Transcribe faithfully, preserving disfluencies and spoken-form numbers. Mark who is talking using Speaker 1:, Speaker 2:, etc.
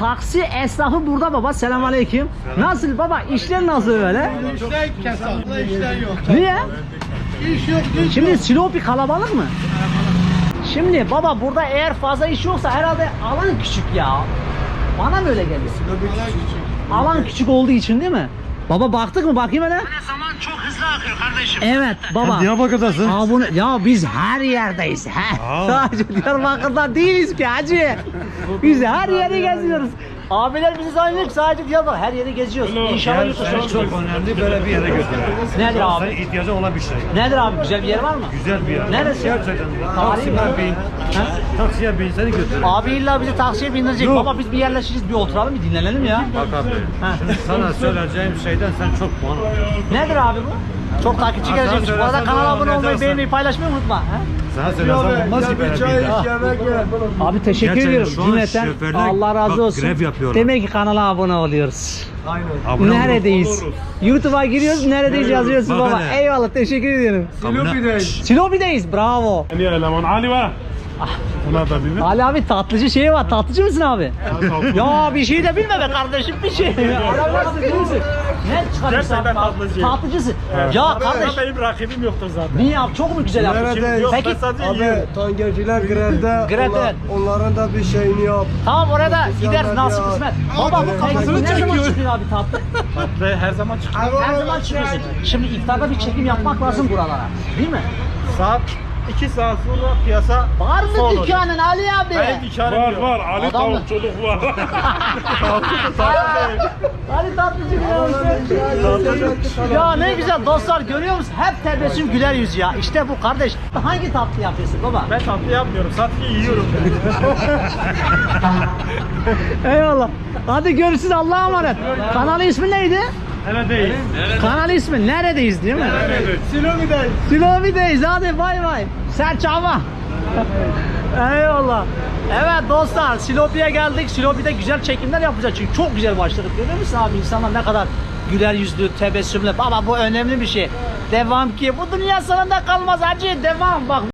Speaker 1: taksi esnafı burada baba. Selamünaleyküm. Nasıl baba? İşler nasıl böyle?
Speaker 2: İşler kesal. İşler yok.
Speaker 1: Niye?
Speaker 2: İş yok, iş
Speaker 1: Şimdi
Speaker 2: yok.
Speaker 1: Silopi kalabalık mı? Şimdi baba burada eğer fazla iş yoksa herhalde alan küçük ya. Bana mı öyle geliyor? Alan küçük olduğu için değil mi? Baba baktık mı? Bakayım hele.
Speaker 2: Zaman çok hızlı akıyor kardeşim.
Speaker 1: Evet baba.
Speaker 3: Diyarbakır'dasın.
Speaker 1: Aa, bunu, ya biz her yerdeyiz. He.
Speaker 3: Aa.
Speaker 1: Sadece Diyarbakır'da değiliz ki hacı. Biz her yeri geziyoruz. Abiler bizi zannediyor ki sadece Diyarbakır. Her yeri geziyoruz. İnşallah yurt dışına
Speaker 3: Seni çok
Speaker 1: çıkıyoruz.
Speaker 3: önemli böyle bir yere götürüyor.
Speaker 1: Nedir abi?
Speaker 3: Senin ihtiyacın olan bir şey.
Speaker 1: Nedir abi? Güzel bir yer var mı?
Speaker 3: Güzel bir yer.
Speaker 1: Neresi?
Speaker 3: Gerçekten.
Speaker 1: Tarihi mi?
Speaker 3: Taksiye bin.
Speaker 1: Ha?
Speaker 3: Taksiye bin seni götürüyor.
Speaker 1: Abi illa bizi taksiye bindirecek.
Speaker 3: Yok.
Speaker 1: Baba biz bir yerleşiriz, bir oturalım, bir dinlenelim ya.
Speaker 3: Bak abi.
Speaker 1: Ha.
Speaker 3: Şimdi sana söyleyeceğim şeyden sen çok puan alıyorsun.
Speaker 1: Nedir abi bu? Çok takipçi
Speaker 3: Hasan
Speaker 1: gelecekmiş. Bu arada
Speaker 3: söylersen
Speaker 1: kanala
Speaker 3: doğru,
Speaker 1: abone
Speaker 3: ne
Speaker 1: olmayı,
Speaker 3: dersen.
Speaker 1: beğenmeyi, paylaşmayı unutma. Ha?
Speaker 3: Sana söylesem olmaz ki böyle bir yer.
Speaker 1: Abi teşekkür
Speaker 3: Gerçekten
Speaker 1: ediyorum
Speaker 3: şu an
Speaker 1: cümleten.
Speaker 3: şoförler
Speaker 1: Allah razı
Speaker 3: bak,
Speaker 1: olsun.
Speaker 3: grev yapıyorlar.
Speaker 1: Demek ki kanala abone oluyoruz.
Speaker 3: Abone ol.
Speaker 1: Neredeyiz? YouTube'a giriyoruz, neredeyiz yazıyorsunuz
Speaker 3: Bak
Speaker 1: baba.
Speaker 3: hele.
Speaker 1: Eyvallah, teşekkür ediyorum.
Speaker 3: Abone-
Speaker 1: Silopi'deyiz, bravo.
Speaker 4: Yani eleman Ali var. Ona da bilir.
Speaker 1: Ali abi tatlıcı şeyi var, tatlıcı mısın abi? Ya bir şey de bilme be kardeşim, bir şey. Adam nasıl değil misin? Ne çıkarıyorsun abi?
Speaker 4: Gerçekten tatlıcıyım.
Speaker 1: Tatlıcısın. Ya kardeş,
Speaker 4: Benim rakibim yoktur zaten.
Speaker 1: niye abi çok mu güzel yaptın?
Speaker 4: Yok,
Speaker 1: Peki,
Speaker 4: ben sadece
Speaker 5: Abi
Speaker 4: yiyorum.
Speaker 5: tangerciler grevde.
Speaker 1: Grevde.
Speaker 5: Onlar- onların da bir şeyini yap.
Speaker 1: tamam orada gideriz
Speaker 5: ya.
Speaker 1: nasıl kısmet. Baba bu tatlısını ne zaman çıkıyor abi tatlı?
Speaker 4: Tatlı her zaman çıkıyor.
Speaker 1: Her zaman çıkıyorsun. Şimdi iftarda bir çekim yapmak lazım buralara. Değil mi?
Speaker 4: Saat iki saat sonra piyasa
Speaker 1: Var mı
Speaker 4: son olacak.
Speaker 1: dükkanın Ali abi?
Speaker 4: Benim dükkanım
Speaker 6: Var
Speaker 4: yok.
Speaker 6: var Ali
Speaker 1: Adam mı?
Speaker 6: tavukçuluk var.
Speaker 1: Ali tatlıcı ya. Ya ne güzel dostlar görüyor musun? Hep tebessüm güler yüz ya. İşte bu kardeş. Hangi tatlı yapıyorsun baba?
Speaker 4: Ben tatlı yapmıyorum. Sadece yiyorum.
Speaker 1: Eyvallah. Hadi görüşürüz Allah'a emanet. Kanalı ismi neydi?
Speaker 4: Neredeyiz?
Speaker 1: Kanalı ismi neredeyiz değil mi?
Speaker 5: Silomi'deyiz.
Speaker 1: Silopi'deyiz hadi bay bay. Serçava. Eyvallah. Evet dostlar Silopi'ye geldik. Silopi'de güzel çekimler yapacağız çünkü çok güzel başladık. Görüyor musun abi insanlar ne kadar güler yüzlü, tebessümlü. Baba bu önemli bir şey. Devam ki bu dünya sonunda kalmaz hacı. Devam bak